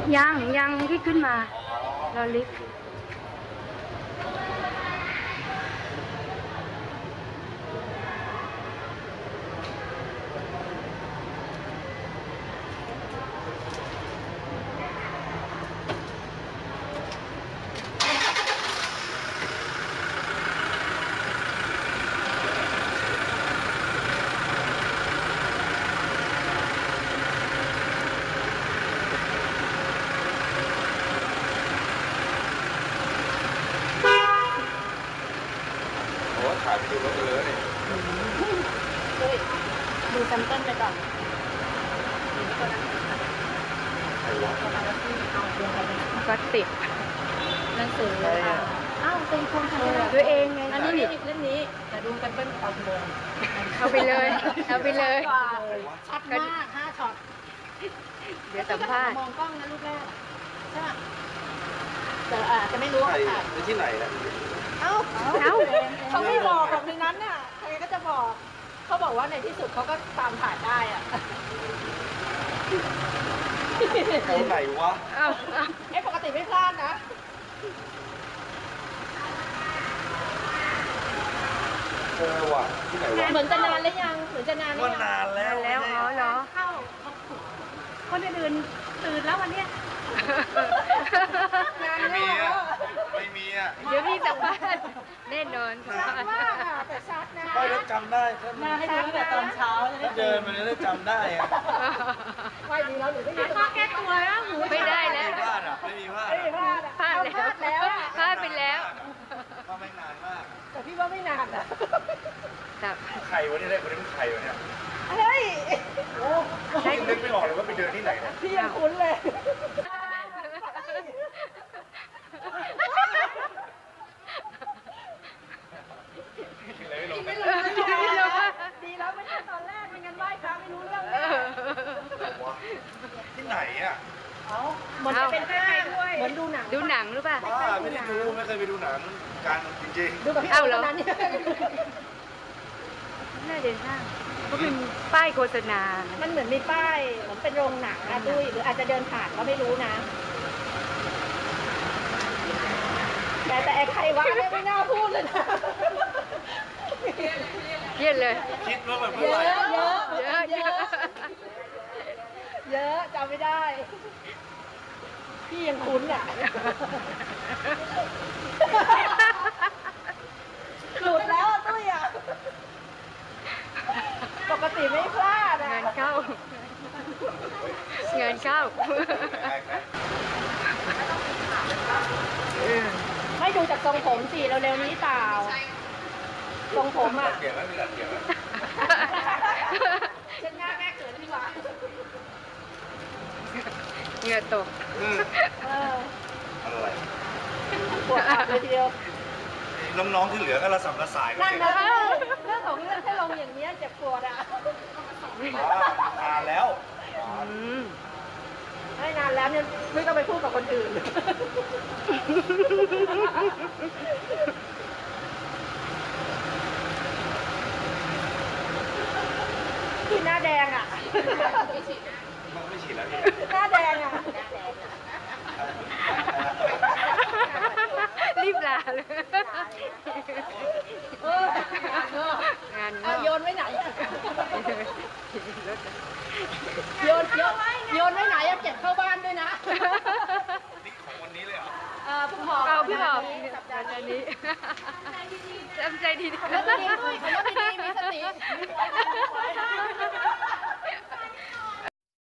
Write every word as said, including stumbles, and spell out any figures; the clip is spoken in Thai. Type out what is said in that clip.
ยังยังที่ขึ้นมารอลิฟต์ถ่ายไปดูรถเลยดูซัมเปิลไปก่อนก็ติดหนังสืออ้าวเป็นคนทำด้วยเองไงอันนี้เล่มนี้แต่ดูซัมเปิลเอาไปเลยเอาไปเลยเอาไปเลยชัดมากห้าช็อตเดี๋ยวสัมภาษณ์มองกล้องนะลูกแรกใช่ไหมแต่อาจจะไม่รู้ว่าถ่ายที่ไหนนะเอ้าเอ้าเขาไม่บอกแบบในนั้นน่ะใครก็จะบอกเขาบอกว่าในที่สุดเขาก็ตามถ่ายได้อ่ะเขาไหนวะเอ้าไอ้ปกติไม่พลาดนะเออว่ะที่ไหนวะเหมือนจะนานแล้วยังเหมือนจะนานว่านานแล้วแล้วอ๋อเหรอเข้าคนอื่นตื่นแล้ววันเนี้ยไม่มีอ่ะไม่มีอ่ะเดี๋ยวพี่สัมภาษณ์แน่นอนชัดมากแต่ชัดนะไม่ได้จำได้มาให้ดูตั้งแต่ตอนเช้าถ้าเดินมาเนี่ยได้จำได้อ่ะไม่ดีแล้วหนูไม่ได้ข้อแก้ตัวแล้วหนูไม่ได้แล้วไม่พลาดอ่ะไม่มีพลาดไม่พลาดพลาดแล้วพลาดไปแล้วก็ไม่นานมากแต่พี่ว่าไม่นานอ่ะใครวะนี่ได้คนนี้เป็นใครวะเนี่ยเฮ้ยโอ้ยนึกไม่ออกเลยว่าไปเดินที่ไหนเนี่ยพี่ยังคุ้นเลยไม่รู้ไม่รู้ดีแล้วไม่ใช่ตอนแรกไม่งั้นไหว้พระไม่รู้เรื่องที่ไหนอ่ะเหมือนจะเป็นห้างด้วยเหมือนดูหนังดูหนังหรือเปล่าไม่ได้ดูไม่เคยไปดูหนังการจริงๆดูกับพี่เอาแล้วน่าเดินห้างก็เป็นป้ายโฆษณามันเหมือนมีป้ายเหมือนเป็นโรงหนังอะด้วยหรืออาจจะเดินผ่านก็ไม่รู้นะแต่แต่ใครวะไม่น่าพูดเลยนะเยอะเลยคิดว่าแบบเยอะเยอะเยอะเยอะเยอะจำไม่ได้พี่ยังคุ้นอ่ะหลุดแล้วตุ้ยอ่ะปกติไม่พลาดอ่ะเงินเข้าเงินเข้าไม่ดูจากทรงผมสิเร็วๆนี้เปล่าทรงผมอ่ะเกี่ยวไหมมีหลักเกี่ยวไหมเช็ดหน้าแม่เกิดดีกว่าเหงื่อตกอะไรปวดขาเลยทีเดียวน้องๆที่เหลือก็ระสำระสายนั่นนะเรื่องของเรื่องแค่ลงอย่างนี้เจ็บปวดอ่ะนานแล้วไม่นานแล้วเนี่ยไม่ต้องไปพูดกับคนอื่นที่หน้าแดงอ่ะไม่ฉีดแล้วหน้าแดงอ่ะรีบลาเลยงานโยนไว้ไหนโยนโยนโยนไว้ไหนอะเก็บเข้าบ้านด้วยนะนี่ของวันนี้เลยเหรอเออเพิ่งหอบเอาเพิ่งหอบสัปดาห์นี้จำใจดีๆแล้วก็เลี้ยงด้วยเขา